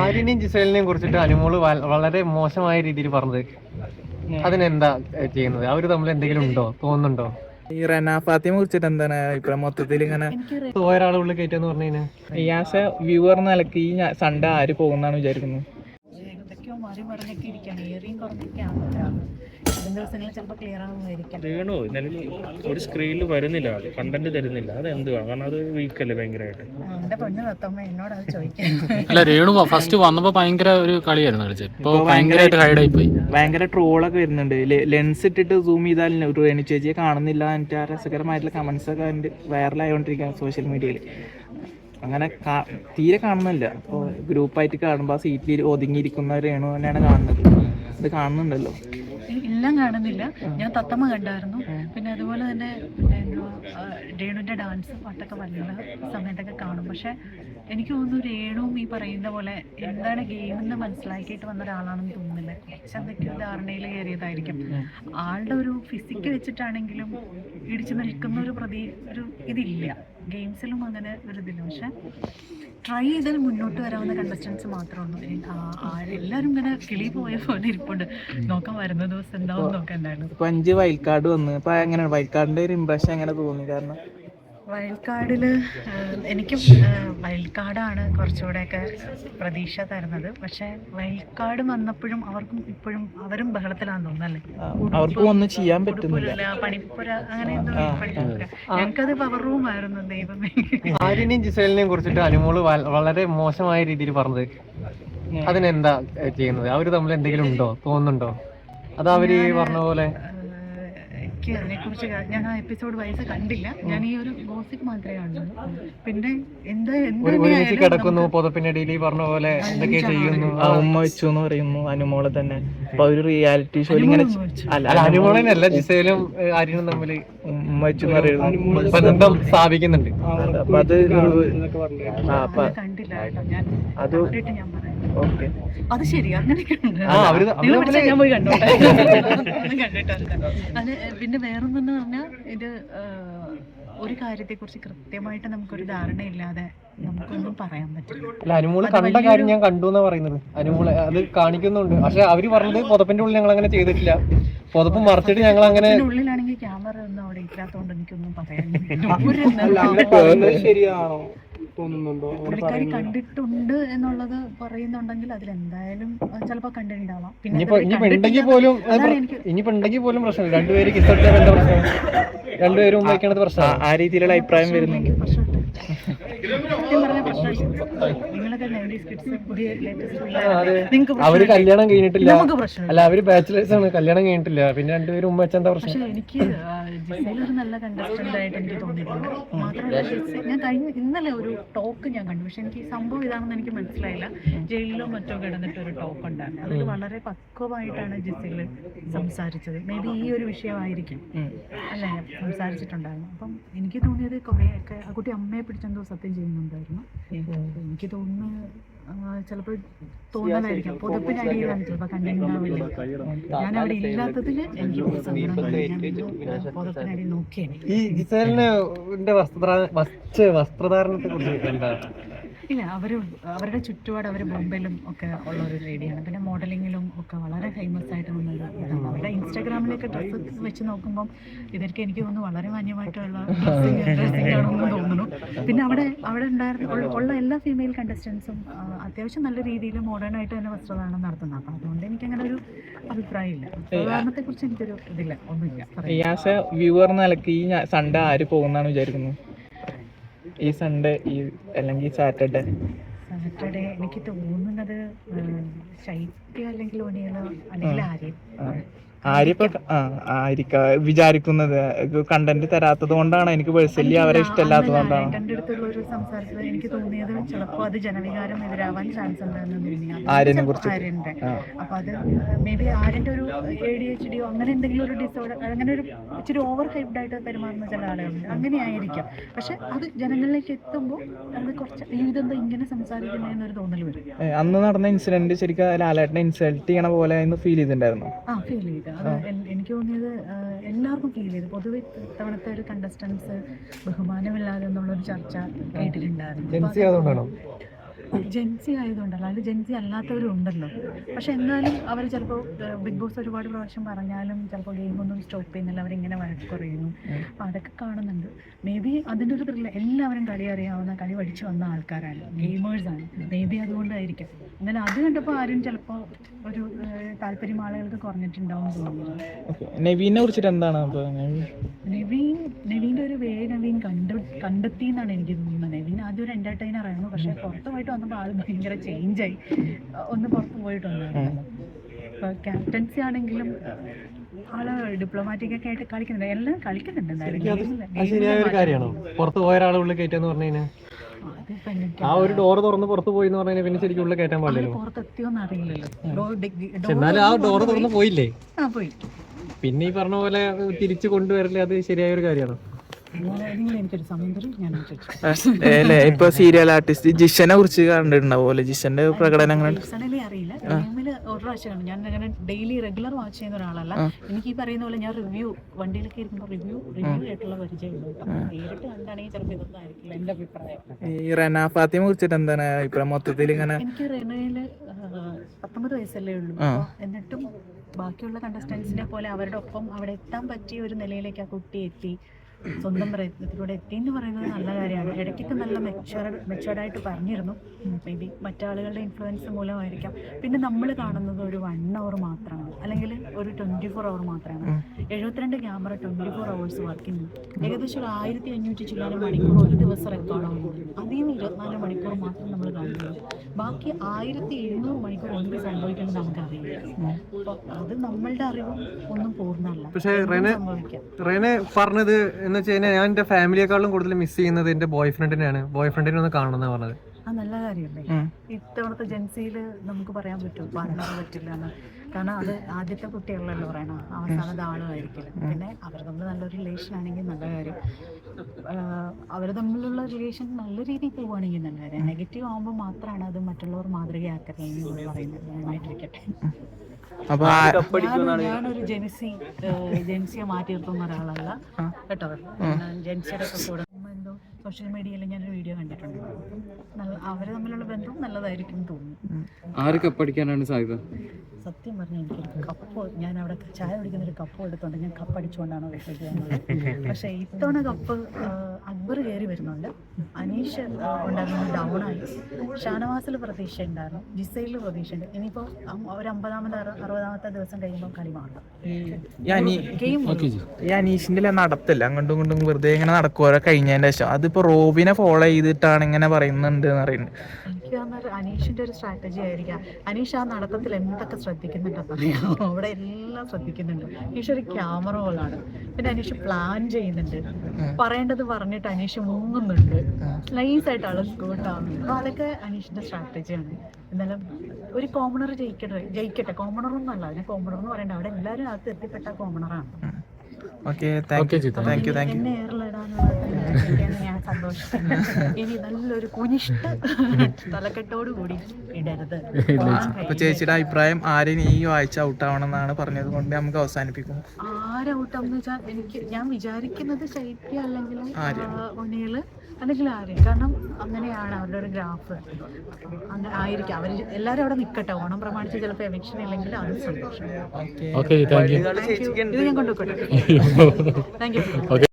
ആര്യനെയും ജിസേലിനെയും കുറിച്ചിട്ട് അനുമോള് വളരെ മോശമായ രീതിയിൽ പറഞ്ഞത് അതിനെന്താ ചെയ്യുന്നത്? അവര് തമ്മിൽ എന്തെങ്കിലും ഉണ്ടോ, തോന്നുന്നുണ്ടോ? ഈ റെന ഫാത്തിമയെ കുറിച്ചിട്ട് എന്താണ് ഇപ്പം മൊത്തത്തിൽ ഇങ്ങനെ ഒരാളെ ഉള്ളിൽ കയറ്റാന്ന് പറഞ്ഞു കഴിഞ്ഞാൽ ഈ ആസ് എ വ്യൂവർ നിലക്ക് ഈ സൺഡേ ആര് പോകുന്നാണ് വിചാരിക്കുന്നത്? ഏതൊക്കെയോ മാറി മറിഞ്ഞൊക്കെ ഇരിക്കുകയാണ്, ഏറിയും കുറഞ്ഞൊക്കെയാണ്. വരും ദിവസങ്ങളിൽ ചിലപ്പോൾ ക്ലിയർ ആകുമായിരിക്കും. വേണോ നിലവിൽ ഒരു സ്ക്രീനിൽ വരുന്നില്ല, കണ്ടന്റ് തരുന്നില്ല, അത് എന്തുവാ? കാരണം അത് വീക്കല്ലേ ഭയങ്കരമായിട്ട്. എന്റെ പെണ്ണ് തത്തമ്മ എന്നോട് അത് ചോദിക്കാൻ. അല്ല, രേണു ഫസ്റ്റ് വന്നപ്പോ ഭയങ്കര ഒരു കളിയായിരുന്നു കളിച്ചത്. ഇപ്പൊ ഭയങ്കരമായിട്ട് ഹൈഡായി പോയി. ഭയങ്കര ട്രോളൊക്കെ വരുന്നുണ്ട്. ലെൻസ് ഇട്ടിട്ട് സൂം ചെയ്താൽ രേണു ചേച്ചിയെ കാണുന്നില്ല. എനിക്ക് ആ രസകരമായിട്ടുള്ള കമന്റ്സ് ഒക്കെ ഉണ്ട്, വൈറലായിക്കൊണ്ടിരിക്കുകയാണ് സോഷ്യൽ മീഡിയയിൽ. അങ്ങനെ തീരെ കാണുന്നില്ല. അപ്പോൾ ഗ്രൂപ്പായിട്ട് കാണുമ്പോൾ ആ സീറ്റിൽ ഒതുങ്ങിയിരിക്കുന്ന രേണു തന്നെയാണ് കാണുന്നത്. ഇത് കാണുന്നുണ്ടല്ലോ. എല്ലാം കാണുന്നില്ല. ഞാൻ തത്തമ്മ കണ്ടായിരുന്നു. പിന്നെ അതുപോലെ തന്നെ രേണുവിൻ്റെ ഡാൻസ് പാട്ടൊക്കെ വരുന്ന സമയത്തൊക്കെ കാണും. പക്ഷെ എനിക്ക് തോന്നുന്നു രേണുവും ഈ പറയുന്ന പോലെ എന്താണ് ഗെയിമെന്ന് മനസ്സിലാക്കിയിട്ട് വന്ന ഒരാളാണെന്ന് തോന്നുന്നില്ല. കുറച്ചെന്തൊക്കെയോ ധാരണയിൽ കയറിയതായിരിക്കും. ആളുടെ ഒരു ഫിസിക്ക് വെച്ചിട്ടാണെങ്കിലും ഇടിച്ചു നിൽക്കുന്ന ഒരു ഇതില്ല. ഗെയിംസിലും അങ്ങനെ ഒരു ഇതില്ല. പക്ഷെ ട്രൈ ചെയ്താൽ മുന്നോട്ട് വരാവുന്ന കണ്ടസ്റ്റൻസ് മാത്രമേ ഉള്ളൂ. എല്ലാവരും ഇങ്ങനെ കിളി പോയ പോലെ ഇരിപ്പുണ്ട്. നോക്കാൻ വരുന്ന ദിവസം എന്താവും നോക്കണ്ടായിരുന്നു. ഇപ്പൊ 5 വൈൽഡ് കാർഡ് വന്ന് ഇപ്പൊ എങ്ങനെയാണ് വൈൽഡ് കാർഡിന്റെ ഒരു ഇംപ്രഷൻ എങ്ങനെ തോന്നി? കാരണം വൈൽഡ് കാർഡിൽ എനിക്കും വൈൽഡ് കാർഡാണ് കുറച്ചുകൂടെയൊക്കെ പ്രതീക്ഷ തരുന്നത്. പക്ഷേ വൈൽഡ് കാർഡ് വന്നപ്പോഴും അവർക്കും ഇപ്പോഴും അവരും ബഹളത്തിലാണെന്ന് തോന്നുന്നല്ലേ. അവർക്കും ഒന്നും ചെയ്യാൻ പറ്റുന്നില്ല. പണിപ്പുര അങ്ങനെ ഞങ്ങൾക്കത് പവർ റൂം ആയിരുന്നു. ദൈവമേ. ആര്യനെയും ജിസേലിനെയും കുറിച്ചിട്ട് അനുമോള് വളരെ മോശമായ രീതിയിൽ പറഞ്ഞത് അതിനെന്താ ചെയ്യുന്നത്? അവര് തമ്മിൽ എന്തെങ്കിലും ഉണ്ടോ, തോന്നുന്നുണ്ടോ? അത് അവര് പറഞ്ഞ പോലെ എനിക്ക് അതിനെക്കുറിച്ച് ഞാൻ ആ എപ്പിസോഡ് വൈസ് കണ്ടില്ല. ഞാൻ ഈ ഒരു ഗോസിപ്പ് മാത്രമേ കണ്ടുള്ളൂ. പിന്നെ ഒരുമിച്ച് കിടക്കുന്നു പുതപ്പിനടിയിൽ പറഞ്ഞ പോലെ എന്തൊക്കെ ചെയ്യുന്നു. ഉമ്മ വെച്ചു എന്ന് പറയുന്നു അനുമോളെ തന്നെ. അപ്പൊ ഒരു റിയാലിറ്റി ഷോ ഇങ്ങനെ അല്ല, അനുമോളനല്ല ജിസേലും ആര്യനും തമ്മിൽ ഉമ്മ വെച്ചു എന്ന് പറയുന്നു, ബന്ധം സ്ഥാപിക്കുന്നുണ്ട്. അപ്പൊ അത് കണ്ടില്ല കേട്ടോ. ഞാൻ അത് ഞാൻ പറയാം. ഓക്കെ, അത് ശരി. അങ്ങനെയൊക്കെ ഉണ്ട്. ഞാൻ പോയി കണ്ടോട്ടെ. കണ്ടിട്ടുണ്ട്. അത് പിന്നെ വേറൊന്നെന്ന് പറഞ്ഞാൽ ഇത് ഒരു കാര്യത്തെക്കുറിച്ച് കൃത്യമായിട്ട് നമുക്കൊരു ധാരണയില്ലാതെ നമുക്കൊന്നും പറയാൻ പറ്റില്ല. അല്ല, അനുമോള് കണ്ട കാര്യം ഞാൻ കണ്ടു എന്നാ പറയുന്നത്. അനുമോള് അത് കാണിക്കുന്നുണ്ട്. പക്ഷെ അവര് പറഞ്ഞത് പുതപ്പിന്റെ ഉള്ളിൽ ഞങ്ങൾ അങ്ങനെ ചെയ്തിട്ടില്ല, പുതപ്പ് മറച്ചിട്ട് ഞങ്ങൾ അങ്ങനെ. ഉള്ളിലാണെങ്കിൽ ക്യാമറ ഒന്നും അവിടെ ഇല്ലാത്തതുകൊണ്ട് എനിക്കൊന്നും പറയാൻ ശരിയാണോ തോന്നുന്നുണ്ടോ? പുള്ളിക്കാരി കണ്ടിട്ടുണ്ട് എന്നുള്ളത് പറയുന്നുണ്ടെങ്കിൽ അതിലെന്തായാലും ചിലപ്പോ കണ്ടിട്ടുണ്ടാവാം. ഇനിയിപ്പോ ഉണ്ടെങ്കിൽ പോലും പ്രശ്നമില്ല. രണ്ടുപേര് കിസ്സടിച്ചാൽ എന്താ പ്രശ്നം? രണ്ടുപേരും വയ്ക്കണത് പ്രശ്നം. ആ രീതിയിലുള്ള അഭിപ്രായം വരുന്നുണ്ട്. അവര് കല്യാണം കഴിഞ്ഞിട്ടില്ല. അല്ല, അവര് ബാച്ചിലേഴ്സ് ആണ്, കല്യാണം കഴിഞ്ഞിട്ടില്ല. പിന്നെ രണ്ടുപേരും ഉമ്മ വെച്ചാൽ എന്താ പ്രശ്നം? പക്ഷെ എനിക്ക് ജിസേലൊരു നല്ല കണ്ടസ്റ്റന്റ് ആയിട്ട് എനിക്ക് തോന്നിയിട്ടുണ്ട്. മാത്രമല്ല ഞാൻ ഇന്നലെ ഒരു ടോക്ക് ഞാൻ കണ്ടു. പക്ഷെ എനിക്ക് ഈ സംഭവം ഇതാണെന്ന് എനിക്ക് മനസ്സിലായില്ല. ജയിലിലോ മറ്റോ കിടന്നിട്ട് ഒരു ടോക്ക് ഉണ്ടായിരുന്നു. അതിൽ വളരെ പക്വമായിട്ടാണ് ജിസേല് സംസാരിച്ചത്. മേ ബി ഈ ഒരു വിഷയമായിരിക്കും അല്ലേ സംസാരിച്ചിട്ടുണ്ടായിരുന്നു. അപ്പം എനിക്ക് തോന്നിയത് കുറേയൊക്കെ ആ കുട്ടി അമ്മയെ പിടിച്ചെന്തോ സത്യം ചെയ്യുന്നുണ്ടായിരുന്നു. എനിക്ക് തോന്നുന്നു ചിലപ്പോൾ തോന്നലായിരിക്കും പുതപ്പിനടിയിലാണ് ചിലപ്പോൾ കണ്ടിട്ടുണ്ടാവില്ല. ഞാൻ അവിടെ ഇല്ലാത്തതിൽ എനിക്ക് പുതപ്പിനടി നോക്കിയാണ്. ഈ ജിസേലിന്റെ വസ്ത്രധാരണത്തെ കുറിച്ച് എന്താ? ഇല്ല, അവരുടെ ചുറ്റുപാട് അവർ ബോംബെയിലും ഒക്കെ ഉള്ള ഒരു ലേഡിയാണ്. പിന്നെ മോഡലിങ്ങിലും ഒക്കെ വളരെ ഫേമസ് ആയിട്ട് നിന്നൊരു ഇതാണ്. അവരുടെ ഇൻസ്റ്റാഗ്രാമിലൊക്കെ ഡ്രസ്സ് വെച്ച് നോക്കുമ്പം ഇതൊക്കെ എനിക്ക് തോന്നുന്നു വളരെ മാന്യമായിട്ടുള്ള ഡ്രസ്സിംഗ് ആണെന്ന് തോന്നുന്നു. പിന്നെ അവിടെ ഉണ്ടായിരുന്ന ഉള്ള എല്ലാ ഫീമെയിൽ കണ്ടസ്റ്റൻസും അത്യാവശ്യം നല്ല രീതിയിൽ മോഡേൺ ആയിട്ട് തന്നെ വസ്ത്രധാരണം നടത്തുന്നത്. അപ്പം അതുകൊണ്ട് എനിക്കങ്ങനെ ഒരു അഭിപ്രായമില്ല. വസ്ത്രധാരണത്തെ കുറിച്ച് എനിക്കൊരു ഇതില്ല, ഒന്നുമില്ല. ആസ് എ വ്യൂവർ നിലക്ക് ഈ സൺഡേ ആര് പോകുന്നാണ് വിചാരിക്കുന്നത്? ഈ സൺഡേ അല്ലെങ്കിൽ സാറ്റർഡേ എനിക്ക് തോന്നുന്നത് ശൈത്യ അല്ലെങ്കിൽ ഒനിയലോ അല്ലെങ്കിൽ ആര്യപ്പോ വിചാരിക്കുന്നത് കണ്ടന്റ് തരാത്തത് കൊണ്ടാണ്. എനിക്ക് പേഴ്സണലി അവരെ ഇഷ്ടമല്ലാത്തതുകൊണ്ടാണ്. എൻ്റെ അടുത്തുള്ള ഒരു സംസാരത്തിൽ എനിക്ക് തോന്നിയത് ചിലപ്പോൾ അത് ജനവികാരം എതിരാവാൻ ചാൻസ് ഉണ്ടായിരുന്നു ആര്യനെ കുറിച്ച്. ആര്യന്റെ അപ്പൊ അത് മേ ബി ആര്യന്റെ ഒരു ADHD അങ്ങനെ എന്തെങ്കിലും ഒരു ഡിസോർഡർ, അങ്ങനെ ഒരു ഇച്ചിരി ഓവർ ഹൈപ്ഡ് ആയിട്ട് പെരുമാറുന്ന ചില ആളുകളുണ്ട്. അങ്ങനെ ആയിരിക്കാം. പക്ഷെ അത് ജനങ്ങളിലേക്ക് എത്തുമ്പോൾ അത് കുറച്ച് ഇതെന്താ ഇങ്ങനെ സംസാരിക്കുന്നതെന്നൊരു തോന്നൽ വരും. അന്ന് നടന്ന ഇൻസിഡന്റ് ശരിക്കും ലാലേട്ടനെ ഇൻസൾട്ട് ചെയ്യണ പോലെ ഫീൽ ചെയ്തിട്ടുണ്ടായിരുന്നു. ഫീൽ ചെയ്തു. എനിക്ക് തോന്നിയത് എല്ലാവർക്കും ഫീൽ ചെയ്തു. പൊതുവെ ഇത്തവണത്തെ ഒരു കണ്ടസ്റ്റൻസ് ബഹുമാനമില്ലാതെ എന്നുള്ളൊരു ചർച്ച കേട്ടിട്ടുണ്ടായിരുന്നു. ജെൻസി ആയതുകൊണ്ടല്ല, അതിൽ ജെൻസി അല്ലാത്തവരും ഉണ്ടല്ലോ. പക്ഷെ എന്നാലും അവർ ചിലപ്പോൾ ബിഗ് ബോസ് ഒരുപാട് പ്രാവശ്യം പറഞ്ഞാലും ചിലപ്പോൾ ഗെയിമൊന്നും സ്റ്റോപ്പ് ചെയ്യുന്നില്ല, അവരിങ്ങനെ വഴക്ക് കുറയുന്നു. അപ്പം അതൊക്കെ കാണുന്നുണ്ട്. മേ ബി അതിൻ്റെ ഒരു ത്രില്ല, എല്ലാവരും കളി അറിയാവുന്ന, കളി പഠിച്ചു വന്ന ആൾക്കാരാണ്, ഗെയിമേഴ്സാണ്. മേ ബി അതുകൊണ്ടായിരിക്കും. എന്നാലും അത് കണ്ടപ്പോൾ ആരും ചിലപ്പോൾ ഒരു താല്പര്യം ആളുകൾക്ക് കുറഞ്ഞിട്ടുണ്ടാവും തോന്നുന്നു. നവീനെ കുറിച്ചിട്ട് എന്താണ് അപ്പോൾ? നവീൻ്റെ ഒരു വേ നവീൻ കണ്ടെത്തി എന്നാണ് എനിക്ക് തോന്നുന്നത്. നവീൻ ആദ്യം ഒരു എൻ്റർടൈനർ ആയിരുന്നു, പക്ഷേ പുറത്ത് പോയിട്ട് വന്നപ്പോൾ ആൾ ഭയങ്കര ചേഞ്ചായി. ഒന്ന് പുറത്ത് പോയിട്ടുണ്ടായിരുന്നു. ഇപ്പോൾ ക്യാപ്റ്റൻസി ആണെങ്കിലും ആള് ഡിപ്ലോമാറ്റിക് ഒക്കെ ആയിട്ട് കളിക്കുന്നുണ്ട്, എല്ലാം കളിക്കുന്നുണ്ട്. ശരിയായ ഒരു കാര്യമാണോ പുറത്ത് പോയ ഒരാളെ ഉള്ളിൽ കയറ്റാന്ന് പറഞ്ഞു കഴിഞ്ഞാൽ? ആ ഒരു ഡോർ തുറന്ന് പുറത്ത് പോയി എന്ന് പറഞ്ഞാൽ പിന്നെ ശരിക്കും ഉള്ളിൽ കയറ്റാൻ പാടില്ലല്ലോ. പുറത്തെത്തിയോന്ന് അറിയില്ലല്ലോ. എന്നാലും ആ ഡോർ തുറന്ന് പോയില്ലേ? പോയി. പിന്നെ ഈ പറഞ്ഞ പോലെ തിരിച്ചു കൊണ്ടുവരല്ലേ, അത് ശരിയായ ഒരു കാര്യമാണോ? എനിക്കൊരു സമയം തരും, ഞാൻ അല്ലേ ഇപ്പൊ സീരിയൽ ആർട്ടിസ്റ്റ് ജിഷനെ കുറിച്ച് കണ്ടിട്ടുണ്ടാവുമല്ലോ, ജിഷന്റെ പ്രകടനം പേഴ്സണലി അറിയില്ല. ഗെയിമിൽ ഒരു പ്രാവശ്യമാണ് ഞാൻ അങ്ങനെ ഡെയിലി റെഗുലർ വാച്ച് ചെയ്യുന്ന ഒരാളല്ല. എനിക്ക് ഈ പറയുന്ന പോലെ ഞാൻ വണ്ടിയിലൊക്കെ ഇരിക്കുമ്പോൾ റിവ്യൂ ആയിട്ടുള്ള പരിചയമുള്ളൂ. നേരിട്ട് കണ്ടാണെങ്കിൽ ചിലപ്പോൾ ഇതൊന്നും ആയിരിക്കില്ല എൻ്റെ അഭിപ്രായം. ഈ റെന ഫാത്തിമയെ കുറിച്ചിട്ട് എന്താണ് അഭിപ്രായം മൊത്തത്തിൽ? ഇങ്ങനെ എനിക്ക് റെനയില് 19 വയസ്സല്ലേ ഉള്ളൂ. എന്നിട്ടും ബാക്കിയുള്ള കണ്ടസ്റ്റൻസിനെ പോലെ അവരുടെ ഒപ്പം അവിടെ എത്താൻ പറ്റിയ ഒരു നിലയിലേക്ക് ആ കുട്ടി എത്തി, സ്വന്തം പ്രയത്നത്തിലൂടെ എത്തി എന്ന് പറയുന്നത് നല്ല കാര്യമാണ്. ഇടയ്ക്കൊക്കെ നല്ല മെച്ചുവേർഡായിട്ട് പറഞ്ഞിരുന്നു. മേ ബി മറ്റാളുകളുടെ ഇൻഫ്ലുവൻസ് മൂലമായിരിക്കാം. പിന്നെ നമ്മൾ കാണുന്നത് ഒരു 1 hour മാത്രമാണ്, അല്ലെങ്കിൽ ഒരു 24 hour മാത്രമാണ്. 72 ക്യാമറ 24 hours വർക്കിംഗ്, ഏകദേശം ഒരു 1500 ചില്ലാനും മണിക്കൂർ ഒരു ദിവസം റെക്കോർഡാകുമ്പോൾ അതിൽ നിന്ന് 24 മണിക്കൂർ മാത്രം നമ്മൾ കാണുന്നത്. ബാക്കി 1700 മണിക്കൂർ എന്ത് സംഭവിക്കുന്നത് നമുക്കറിയില്ല. അപ്പോൾ അത് നമ്മളുടെ അറിവും ഒന്നും പൂർണ്ണമല്ല. പക്ഷേ റെനെ പറഞ്ഞത് എന്ന് വെച്ച് കഴിഞ്ഞാൽ, ഞാൻ എൻ്റെ ഫാമിലിയെക്കാളും കൂടുതൽ മിസ് ചെയ്യുന്നത് എൻ്റെ ബോയ്ഫ്രണ്ടിനെയാണ്. ബോയ്ഫ്രണ്ടിനെ ഒന്ന് കാണണമെന്നാണ് പറഞ്ഞത്. ആ നല്ല കാര്യമല്ലേ. ഇത്തവണത്തെ ജെൻസിയിൽ നമുക്ക് പറയാൻ പറ്റും പാർട്ണർ പറ്റില്ല എന്ന്. കാരണം അത് ആദ്യത്തെ കുട്ടികളല്ലോ പറയണം, അവസാനത്തെ ആളുമായിരിക്കില്ല. പിന്നെ അവർ തമ്മിൽ നല്ലൊരു റിലേഷൻ ആണെങ്കിൽ നല്ല കാര്യം, അവർ തമ്മിലുള്ള റിലേഷൻ നല്ല രീതിയിൽ പോവുകയാണെങ്കിൽ നല്ല കാര്യം. നെഗറ്റീവ് ആകുമ്പോൾ മാത്രമാണ് അത് മറ്റുള്ളവർ മാതൃകയാക്കരുത് എന്ന് പറയുന്നത്. നന്നായിട്ടിരിക്കട്ടെ. ഞാനൊരു ജെൻസിയെ മാറ്റി നിർത്തുന്ന ഒരാളല്ല കേട്ടോ. ജെൻസിയുടെ ഒക്കെ കൂടെ എന്തോ സോഷ്യൽ മീഡിയയിൽ ഞാനൊരു വീഡിയോ കണ്ടിട്ടുണ്ട്. അവര് തമ്മിലുള്ള ബന്ധം നല്ലതായിരിക്കും തോന്നുന്നു. ആര് കപ്പടിക്കാനാണ് സാധ്യത? സത്യം പറഞ്ഞാൽ എനിക്കൊരു കപ്പ്, ഞാൻ അവിടെ ചായ കുടിക്കുന്നൊരു കപ്പ് എടുത്തോണ്ട് ഞാൻ കപ്പടിച്ചുകൊണ്ടാണ് വിഷയം ചെയ്യുന്നത്. പക്ഷേ ഇത്തവണ കപ്പ് അക്ബർ കയറി വരുന്നുണ്ട്, അനീഷ് ഉണ്ടായിരുന്നു ഡൗണായി, ഷാനവാസിൽ പ്രതീക്ഷ ഉണ്ടായിരുന്നു, ജിസൈലിൽ പ്രതീക്ഷ ഉണ്ട്. ഇനിയിപ്പോൾ ഒരു 50ാമത്തെ 60ാമത്തെ ദിവസം കഴിയുമ്പോൾ കളി മാറും. ഈ അനീഷിന്റെ നടത്തില്ല, അങ്ങോട്ടും ഇങ്ങോട്ടും വെറുതെ ഇങ്ങനെ നടക്കുമോ കഴിഞ്ഞതിന്റെ ശേഷം. അതിപ്പോ റോബിനെ ഫോളോ ചെയ്തിട്ടാണ് ഇങ്ങനെ പറയുന്നുണ്ട് എന്ന് പറയുന്നത്. എനിക്ക് തോന്നുന്നത് അനീഷിന്റെ ഒരു സ്ട്രാറ്റജി ആയിരിക്കാം. അനീഷ് ആ നടത്തത്തിൽ എന്തൊക്കെ ശ്രദ്ധിക്കുന്നുണ്ടെന്ന് അറിയാമോ? അവിടെ എല്ലാം ശ്രദ്ധിക്കുന്നുണ്ട്. അനീഷ് ഒരു ക്യാമറ ഹോളാണ്. പിന്നെ അനീഷ് പ്ലാൻ ചെയ്യുന്നുണ്ട്, പറയേണ്ടത് പറഞ്ഞിട്ട് അനീഷ് മുങ്ങുന്നുണ്ട്, നൈസായിട്ട് ആള് സ്കൂട്ടാവുന്നുണ്ട്. അപ്പൊ അതൊക്കെ അനീഷിന്റെ സ്ട്രാറ്റജിയാണ്. എന്നാലും ഒരു കോമണർ ജയിക്കട്ടെ. കോമണറൊന്നും അല്ല, അതിന് കോമണർ എന്ന് പറയണ്ട, അവിടെ എല്ലാവരും അകത്ത് എത്തിപ്പെട്ട കോമണറാണ്. എന്നെ ഏറിലിടാനുള്ള ഞാൻ സന്തോഷിക്കുന്നു. ഇനി നല്ലൊരു കുനിഷ്ഠ തലക്കെട്ടോട് കൂടി ഇടരുത്. അപ്പൊ ചേച്ചിയുടെ അഭിപ്രായം ആരെയും ഈ ആഴ്ച ഔട്ടാവണം എന്നാണ് പറഞ്ഞത് കൊണ്ട് നമുക്ക് അവസാനിപ്പിക്കും. ആരൗട്ടാന്ന് വെച്ചാൽ ഞാൻ വിചാരിക്കുന്നത് ശൈത്യ അല്ലെങ്കിൽ ഒനിയല് അല്ലെങ്കിൽ ആരും. കാരണം അങ്ങനെയാണ് അവരുടെ ഒരു ഗ്രാഫ്. അങ്ങനെ ആയിരിക്കും. അവർ എല്ലാവരും അവിടെ നിൽക്കട്ടെ. ഓണം പ്രമാണിച്ച് ചിലപ്പോൾ എവിക്ഷൻ ഇല്ലെങ്കിൽ അത് സന്തോഷം. ഇത് ഞാൻ കൊണ്ടുപോയിക്കോട്ടെ. Thank you.